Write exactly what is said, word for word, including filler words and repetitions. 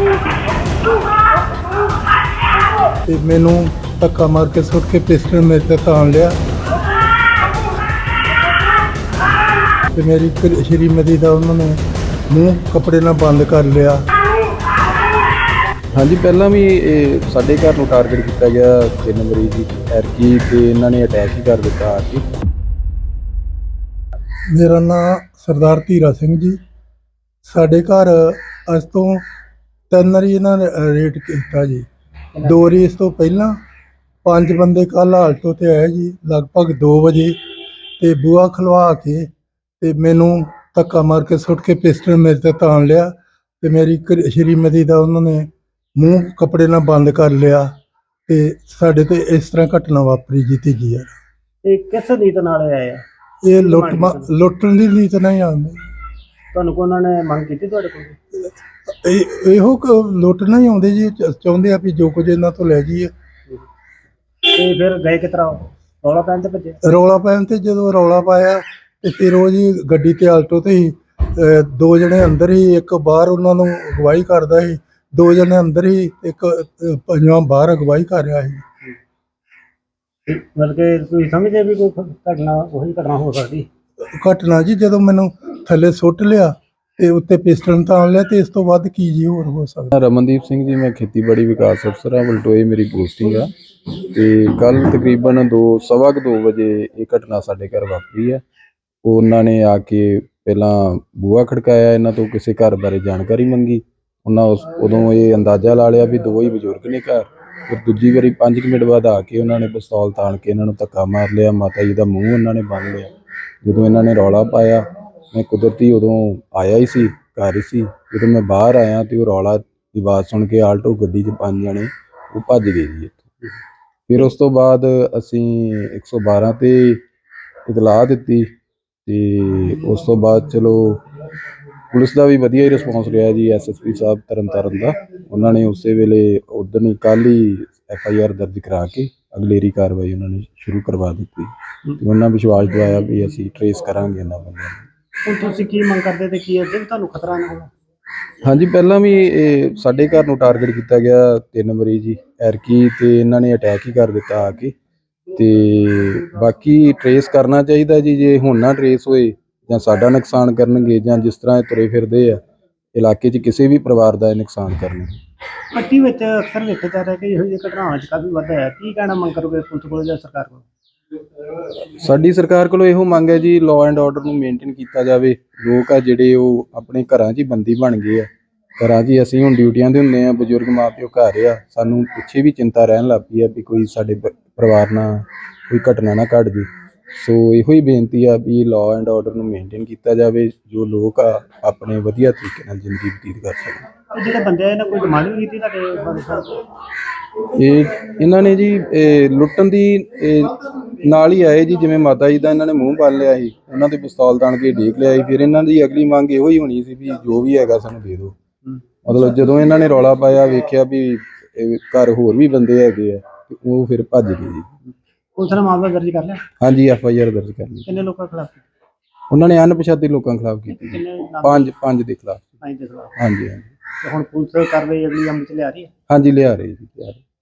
ਤੇ ਮੈਨੂੰ ਧੱਕਾ ਮਾਰ ਕੇ ਸੁੱਟ ਕੇ ਪਿਸਟਲ ਮੇਰੇ ਤੇ ਤਾਣ ਲਿਆ ਤੇ ਮੇਰੀ ਕ- ਸ਼੍ਰੀਮਤੀ ਦਾ ਉਹਨਾਂ ਨੇ ਮੂੰਹ ਕੱਪੜੇ ਨਾਲ ਬੰਦ ਕਰ ਲਿਆ। ਹਾਂਜੀ, ਪਹਿਲਾਂ ਵੀ ਇਹ ਸਾਡੇ ਘਰ ਨੂੰ ਟਾਰਗੇਟ ਕੀਤਾ ਗਿਆ ਤਿੰਨ ਮਰੀਜ਼ ਦੀ ਐਰਕੀ ਤੇ ਇਹਨਾਂ ਨੇ ਅਟੈਕ ਹੀ ਕਰ ਦਿੱਤਾ ਆ ਕੇ। ਮੇਰਾ ਨਾਮ ਸਰਦਾਰ ਧੀਰਾ ਸਿੰਘ ਜੀ। ਸਾਡੇ ਘਰ ਅੱਜ ਤੋਂ ਤਿੰਨ ਵਾਰੀ ਇਹਨਾਂ ਨੇ ਰੇਟ ਕੀਤਾ ਜੀ। ਦੋ ਵਾਰੀ ਇਸ ਤੋਂ ਪਹਿਲਾਂ ਪੰਜ ਬੰਦੇ ਕੱਲ੍ਹ ਆਲਟੋ ਤੇ ਆਏ ਜੀ ਲਗਭਗ ਦੋ ਵਜੇ ਤੇ ਬੂਹਾ ਖਲਵਾ ਕੇ ਤੇ ਮੈਨੂੰ ਧੱਕਾ ਮਾਰ ਕੇ ਸੁੱਟ ਕੇ ਪਿਸਟਲ ਮੇਰੇ ਤੇ ਤਾਣ ਲਿਆ ਤੇ ਮੇਰੀ ਕ- ਸ਼੍ਰੀਮਤੀ ਦਾ ਉਹਨਾਂ ਨੇ ਮੂੰਹ ਕੱਪੜੇ ਨਾਲ ਬੰਦ ਕਰ ਲਿਆ ਤੇ ਸਾਡੇ ਤੇ ਇਸ ਤਰ੍ਹਾਂ ਘਟਨਾ ਵਾਪਰੀ ਜੀ ਤੀਜੀ ਵਾਰ। ਇਹ ਕਿਸ ਨੀਤ ਨਾਲ ਆਏ ਆ? ਇਹ ਲੁੱਟ ਮਾ- ਲੁੱਟਣ ਦੀ ਨੀਤ ਨਹੀਂ ਆਉਂਦੀ। ਤੁਹਾਨੂੰ ਕੋ ਉਹਨਾਂ ਨੇ ਮੰਗ ਕੀਤੀ ਤੁਹਾਡੇ ਕੋਲ? ਇਹ ਇਹੋ ਕੁ ਲੁੱਟਣਾ ਹੀ ਆਉਂਦੇ ਜੀ। ਚ- ਚਾਹੁੰਦੇ ਆ ਵੀ ਜੋ ਕੁਝ ਇਹਨਾਂ ਤੋਂ ਲੈ ਜਾਈਏ। ਤੇ ਫਿਰ ਗਏ ਕਿਸ ਤਰ੍ਹਾਂ? ਰੌਲਾ ਪੈਣ ਤੇ ਭੱਜੇ? ਰੌਲਾ ਪੈਣ ਤੇ ਜਦੋਂ ਰੌਲਾ ਪਾਇਆ ਤੇ ਫਿਰ ਉਹ ਜੀ ਗੱਡੀ ਤੇ ਆਲਟੋ ਤੇ ਹੀ ਅਹ, ਦੋ ਜਣੇ ਅੰਦਰ ਹੀ, ਇੱਕ ਬਾਹਰ ਉਹਨਾਂ ਨੂੰ ਅਗਵਾਈ ਕਰਦਾ ਸੀ। ਦੋ ਜਣੇ ਅੰਦਰ ਹੀ, ਇੱਕ ਅਹ, ਪੰਜਵਾਂ ਬਾਹਰ ਅਗਵਾਈ ਕਰ ਰਿਹਾ ਸੀ। ਮਤਲਬ ਕਿ ਤੁਸੀਂ ਸਮਝਦੇ ਵੀ ਕੋਈ ਘਟਨਾ ਉਹੀ ਘਟਨਾ ਹੋ ਸਕਦੀ? ਘਟਨਾ ਜੀ ਜਦੋਂ ਮੈਨੂੰ ਥੱਲੇ ਸੁੱਟ ਲਿਆ ਤੇ ਉੱਤੇ ਪਿਸਟਲ ਤਾਣ ਲਿਆ ਤੇ ਇਸ ਤੋਂ ਵੱਧ ਕੀ ਜੀ ਹੋਰ ਹੋ ਸਕਦਾ। ਰਮਨਦੀਪ ਸਿੰਘ ਜੀ, ਮੈਂ ਖੇਤੀਬਾੜੀ ਵਿਕਾਸ ਅਫਸਰ ਹਾਂ, ਬਲਟੋਏ ਮੇਰੀ ਪੋਸਟਿੰਗ ਆ। ਤੇ ਕੱਲ ਤਕਰੀਬਨ ਦੋ ਸਵਾ ਕੁ ਦੋ ਵਜੇ ਇਹ ਘਟਨਾ ਸਾਡੇ ਘਰ ਵਾਪਰੀ ਹੈ। ਉਹਨਾਂ ਨੇ ਆ ਕੇ ਪਹਿਲਾਂ ਬੂਹਾ ਖੜਕਾਇਆ, ਇਹਨਾਂ ਤੋਂ ਕਿਸੇ ਘਰ ਬਾਰੇ ਜਾਣਕਾਰੀ ਮੰਗੀ। ਉਹਨਾਂ ਉਸ ਉਦੋਂ ਇਹ ਅੰਦਾਜ਼ਾ ਲਾ ਲਿਆ ਵੀ ਦੋ ਹੀ ਬਜ਼ੁਰਗ ਨੇ ਘਰ। ਫਿਰ ਦੂਜੀ ਵਾਰੀ ਪੰਜ ਕੁ ਮਿੰਟ ਬਾਅਦ ਆ ਕੇ ਉਹਨਾਂ ਨੇ ਪਿਸਤੌਲ ਤਾਣ ਕੇ ਇਹਨਾਂ ਨੂੰ ਧੱਕਾ ਮਾਰ ਲਿਆ। ਮਾਤਾ ਜੀ ਦਾ ਮੂੰਹ ਉਹਨਾਂ ਨੇ ਬੰਨ੍ਹ ਲਿਆ। ਜਦੋਂ ਇਹਨਾਂ ਨੇ ਰੌਲਾ ਪਾਇਆ, ਮੈਂ ਕੁਦਰਤੀ ਉਦੋਂ ਆਇਆ ਹੀ ਸੀ, ਘਰ ਹੀ ਸੀ। ਜਦੋਂ ਮੈਂ ਬਾਹਰ ਆਇਆ ਤੇ ਉਹ ਰੌਲਾ ਦੀ ਆਵਾਜ਼ ਸੁਣ ਕੇ ਆਲਟੋ ਗੱਡੀ 'ਚ ਪੰਜ ਜਣੇ ਉਹ ਭੱਜ ਗਏ ਜੀ ਇੱਥੋਂ। ਫਿਰ ਉਸ ਤੋਂ ਬਾਅਦ ਅਸੀਂ ਇੱਕ ਸੌ ਬਾਰਾਂ 'ਤੇ ਇਤਲਾਹ ਦਿੱਤੀ ਤੇ ਉਸ ਤੋਂ ਬਾਅਦ ਚਲੋ ਪੁਲਿਸ ਦਾ ਵੀ ਵਧੀਆ ਹੀ ਰਿਸਪੌਂਸ ਰਿਹਾ ਜੀ। ਐਸ ਐਸ ਪੀ ਸਾਹਿਬ ਤਰਨ ਤਾਰਨ ਦਾ, ਉਹਨਾਂ ਨੇ ਉਸੇ ਵੇਲੇ ਉਦਣ ਹੀ ਕੱਲ੍ਹ ਹੀ ਐਫ ਆਈ ਆਰ ਦਰਜ ਕਰਾ ਕੇ ਅਗਲੇਰੀ ਕਾਰਵਾਈ ਉਹਨਾਂ ਨੇ ਸ਼ੁਰੂ ਕਰਵਾ ਦਿੱਤੀ ਤੇ ਉਹਨਾਂ ਵਿਸ਼ਵਾਸ ਦਿਵਾਇਆ ਵੀ ਅਸੀਂ ਟਰੇਸ ਕਰਾਂਗੇ ਇਹਨਾਂ ਬੰਦਿਆਂ ਨੂੰ। ਹੁਣ ਤੁਸੀਂ ਕੀ ਮੰਗ ਕਰਦੇ ਤੇ ਕੀ ਅੱਗੇ ਵੀ ਤੁਹਾਨੂੰ ਖਤਰਾ ਨਾ ਹੋਵੇ? ਹਾਂਜੀ, ਪਹਿਲਾਂ ਵੀ ਇਹ ਸਾਡੇ ਘਰ ਨੂੰ ਟਾਰਗੇਟ ਕੀਤਾ ਗਿਆ ਤਿੰਨ ਮਰੀਜ਼ ਜੀ ਐਰਕੀ ਤੇ ਇਹਨਾਂ ਨੇ ਅਟੈਕ ਹੀ ਕਰ ਦਿੱਤਾ ਆ ਕੇ। ਤੇ ਬਾਕੀ ਟਰੇਸ ਕਰਨਾ ਚਾਹੀਦਾ ਜੀ। ਜੇ ਹੁਣ ਨਾ ਟਰੇਸ ਹੋਏ ਜਾਂ ਸਾਡਾ ਨੁਕਸਾਨ ਕਰਨਗੇ ਜਾਂ ਜਿਸ ਤਰ੍ਹਾਂ ਇਹ ਤੁਰੇ ਫਿਰਦੇ ਆ ਇਲਾਕੇ 'ਚ ਕਿਸੇ ਵੀ ਪਰਿਵਾਰ ਦਾ ਇਹ ਨੁਕਸਾਨ ਕਰਨਗੇ। ਪੱਟੀ ਵਿੱਚ ਅਕਸਰ ਵੇਖਿਆ ਜਾ ਰਿਹਾ ਕਿ ਇਹੋ ਜਿਹੀ ਘਟਨਾਵਾਂ 'ਚ ਕਾਫੀ ਵਾਧਾ ਹੈ। ਕੀ ਕਹਿਣਾ ਮੰਗ ਕਰੋਗੇ ਪੁਲਿਸ ਕੋਲ ਜਾਂ ਸਰਕਾਰ ਕੋਲ? ਸਾਡੀ ਸਰਕਾਰ ਕੋਲੋਂ ਇਹੋ ਮੰਗ ਹੈ ਜੀ, ਲਾਅ ਐਂਡ ਆਰਡਰ ਨੂੰ ਮੇਨਟੇਨ ਕੀਤਾ ਜਾਵੇ। ਲੋਕ ਆ ਜਿਹੜੇ ਉਹ ਆਪਣੇ ਘਰਾਂ 'ਚ ਹੀ ਬੰਦੀ ਬਣ ਗਏ ਆ। ਘਰਾਂ 'ਚ ਹੀ ਅਸੀਂ ਹੁਣ ਡਿਊਟੀਆਂ 'ਤੇ ਹੁੰਦੇ ਹਾਂ, ਬਜ਼ੁਰਗ ਮਾਂ ਪਿਓ ਘਰ ਆ। ਸਾਨੂੰ ਪਿੱਛੇ ਵੀ ਚਿੰਤਾ ਰਹਿਣ ਲੱਗ ਪਈ ਆ ਵੀ ਕੋਈ ਸਾਡੇ ਪ- ਪਰਿਵਾਰ ਨਾਲ ਕੋਈ ਘਟਨਾ ਨਾ ਘਟ ਜੇ। ਸੋ ਇਹੋ ਹੀ ਬੇਨਤੀ ਆ ਵੀ ਲਾਅ ਐਂਡ ਆਰਡਰ ਨੂੰ ਮੇਨਟੇਨ ਕੀਤਾ ਜਾਵੇ, ਜੋ ਲੋਕ ਆ ਆਪਣੇ ਵਧੀਆ ਤਰੀਕੇ ਨਾਲ ਜ਼ਿੰਦਗੀ ਬਤੀਤ ਕਰ ਸਕਣ। ਇਹ ਜਿਹੜੇ ਬੰਦੇ ਆ ਇਹਨਾਂ ਕੋਈ ਡਿਮਾਂਡ ਵੀ ਕੀਤੀ ਤੁਹਾਡੇ ਬਾਰੇ ਸਾਹਿਬ? ਇਹ ਇਹਨਾਂ ਨੇ ਜੀ ਇਹ ਲੁੱਟਣ ਦੀ ਇਹ ਨਾਲ ਹੀ ਆਏ ਜੀ। ਜਿਵੇਂ ਮਾਤਾ ਜੀ ਦਾ ਇਹਨਾਂ ਨੇ ਮੂੰਹ ਬੰਨ ਲਿਆ ਸੀ, ਉਹਨਾਂ ਦੇ ਪਿਸਤੌਲ ਤਾਣ ਕੇ ਡੇਕ ਲਿਆ ਸੀ। ਫਿਰ ਇਹਨਾਂ ਦੀ ਅਗਲੀ ਮੰਗ ਇਹੋ ਹੀ ਹੋਣੀ ਸੀ ਵੀ ਜੋ ਵੀ ਹੈਗਾ ਸਾਨੂੰ ਦੇ ਦਿਓ। ਮਤਲਬ ਜਦੋਂ ਇਹਨਾਂ ਨੇ ਰੌਲਾ ਪਾਇਆ, ਵੇਖਿਆ ਵੀ ਇਹ ਘਰ ਹੋਰ ਵੀ ਬੰਦੇ ਹੈਗੇ ਆ ਤੇ ਉਹ ਫਿਰ ਭੱਜ ਗਏ ਜੀ। ਪੁਲਿਸ ਨੇ ਮਾਮਲਾ ਦਰਜ ਕਰ ਲਿਆ? ਹਾਂਜੀ, ਐਫ ਆਈ ਆਰ ਦਰਜ ਕਰ ਲਈ। ਕਿੰਨੇ ਲੋਕਾਂ ਖਿਲਾਫ? ਉਹਨਾਂ ਨੇ ਅਣਪਛਾਤੇ ਲੋਕਾਂ ਖਿਲਾਫ ਕੀਤੀ ਜੀ। ਕਿੰਨੇ ਨਾਮ? ਪੰਜ ਪੰਜ ਦੇ ਖਿਲਾਫ। ਪੰਜ ਦੇ ਖਿਲਾਫ। ਹਾਂਜੀ ਹਾਂਜੀ ਤੇ ਹੁਣ ਪੁਲਿਸ ਕਾਰਵਾਈ ਅਗਲੀ ਅਮਲ 'ਚ ਲਿਆ ਰਹੀ ਹੈ? ਹਾਂਜੀ, ਲਿਆ ਰਹੇ ਜੀ ਲਿਆ ਰਹੇ।